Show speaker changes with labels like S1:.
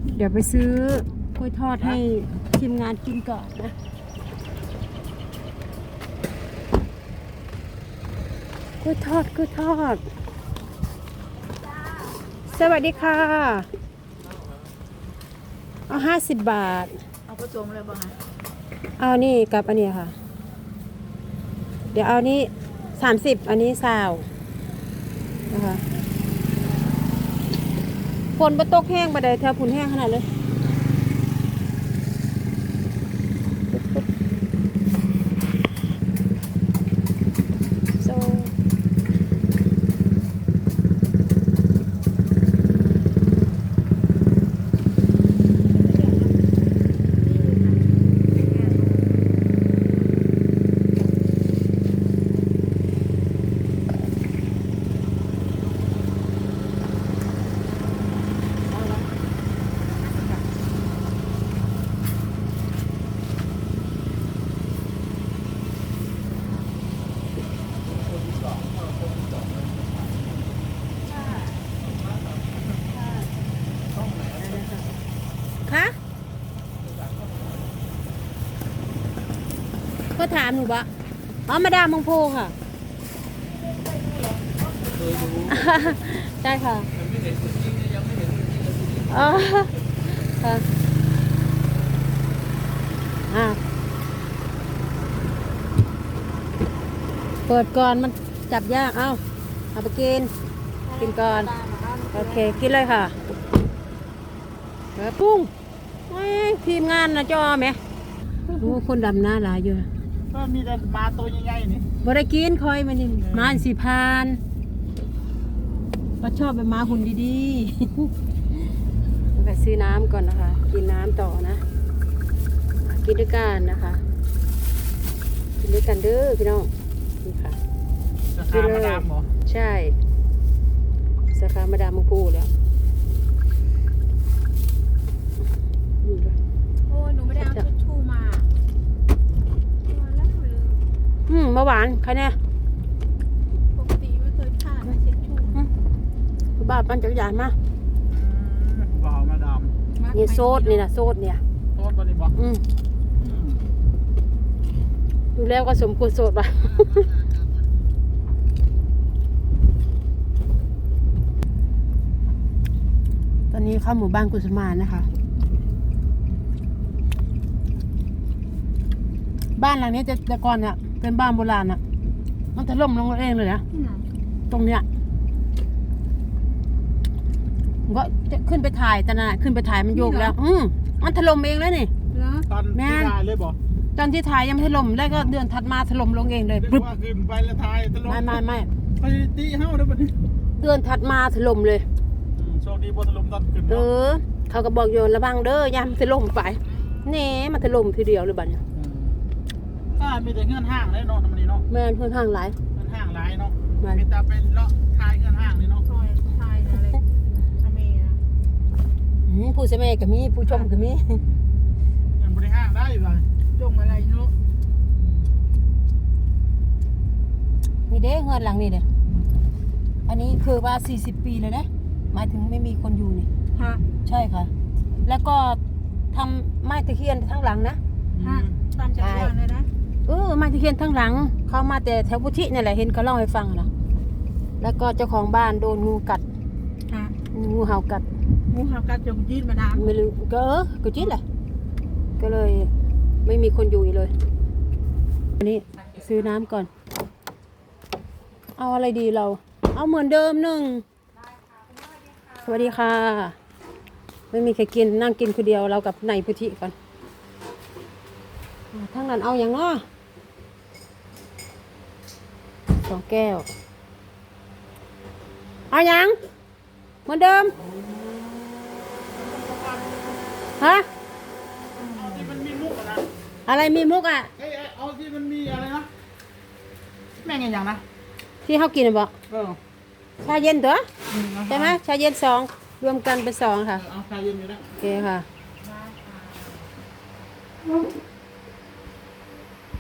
S1: เดี๋ยวไปซื้อกล้วยทอดให้ทีมงานกินก่อนนะกล้วยทอดสวัสดีค่ะเอา50 บาท
S2: เอาผสมเลยบ้าง
S1: เอานี่กับอันนี้ค่ะเดี๋ยวเอานี้30อันนี้20นะคะฝนบ่ตกแห้งบ่ได้แถวฝุ่นแห้งขนาดเลยก็ถามหนูว่าอ๋อมาดามมงโพค่ะใช่ค่ะอ๋อค่ะเปิดก่อนมันจับยากเอาไปกินก่อนโอเคกินเลยค่ะปุ้งทีมงานนะจอไหมโอ้คนดำหน้าหลายอยู่
S2: ก็มีแต่มาตัวใหญ่ๆนี่
S1: บ่ได้กินคอยมันนี่มาสิพานก็ชอบไปมาหุ่นดีๆไปซื้อน้ำก่อนนะคะกินน้ำต่อนะกินด้วยกันนะคะกินด้วยกันเด้อพี่น้องนี่ค่ะ
S2: สาขามาดามเหรอ
S1: ใช่สาขามาดามมงปูแล้ว
S2: โอ้ยหนูไม่ได้เอาทิชชู่มา
S1: เมื่อวานใครเนี่ย
S2: ปกติไม่เคยขาดนะทิชชู่
S1: บ้าปั้นจักรยานมา
S2: บ่าวมาดาม
S1: นี่โซดนี่นะโซดเนี่ย
S2: โซดตัวนี้บอก
S1: ดูแล้วก็สมควรโสดป่ะ ตอนนี้เข้าหมู่บ้านกุสมานนะคะบ้านหลังนี้แต่ก่อนเนี่ยเป็นบ้านโบราณอ่ะมันถล่มลงเองเลยนะตรงเนี้ยก็ขึ้นไปถ่ายตอนนั้นขึ้นไปถ่ายมันโยกแล้วมันถล่มเองแล้วนี่
S2: ตอนที่ถ่ายเลยบอก
S1: ตอนที่ถ่ายยังไม่ถล่มแล้วก็เดือนถัดมาถล่มลงเองเลย
S2: ปึ๊บขึ้นไปแล้วถ่ายถล่ม
S1: ไม่
S2: ไปตีเฮ้าเดี๋ยวมัน
S1: เดือนถัดมาถล่มเลย
S2: โชคดีบนถล่มตอนขึ้น
S1: เขาก็บอกโยนระวังเด้อยามถล่มไปเน่มันถล่มทีเดียวเลยบัดเนี่ย
S2: มีแต่เงื่อนห้างเลยเนาะทำมันนี่เนาะ
S1: แม่เงื่อนห้างหลาย
S2: เงื่อนห้างหลายเนาะมีแต่เป็นเลาะทายเงื่อนห้างเลยเนาะทายอะไรทำเอง
S1: ผู้เสพก็มีผู้ชมก็มี
S2: เงินบริห้างได้เลยจงอะไรเนาะ
S1: มีเด้เงินหลังนี่เด้อันนี้คือว่า40 ปีเลยนะหมายถึงไม่มีคนอยู่นี่
S2: ฮะ
S1: ใช่ค่ะแล้วก็ทำไม้ตะเคียนทั้งหลังนะ
S2: ฮะตามจักรยานเลยนะ
S1: ไม้ตะเคียนทั้งหลังเขามาแต่แถวพุทธินี่แหละเห็นเขาเล่าให้ฟังนะแล้วก็เจ้าของบ้านโดนงูกัดงูเห่ากัด
S2: งูเห่ากัดจงจีนมาดาม
S1: ไม่รู้ก็จีนแหละก็เลยไม่มีคนอยู่อีกเลยอันนี้ซื้อน้ำก่อนเอาอะไรดีเราเอาเหมือนเดิมหนึ่งสวัสดีค่ะไม่มีใครกินนั่งกินคนเดียวเรากับนายพุทธิก่อนทั้งนั้นเอาอย่างน้อ2 แก้วเอาอย่างเหมือนเดิมฮะ
S2: เอาที่มันมีมุกอะนะ
S1: อะไรมีมุกอ่ะ
S2: เอาที่มันมีอะไรนะแม่งอย่างนะ
S1: ที่เขากินบ่ชาเย็นตัวใช่ไหมชาเย็น2รวมกันเป็น2ค่ะ
S2: เอาชาเย็นอยู่นะ
S1: โอเคค่ะ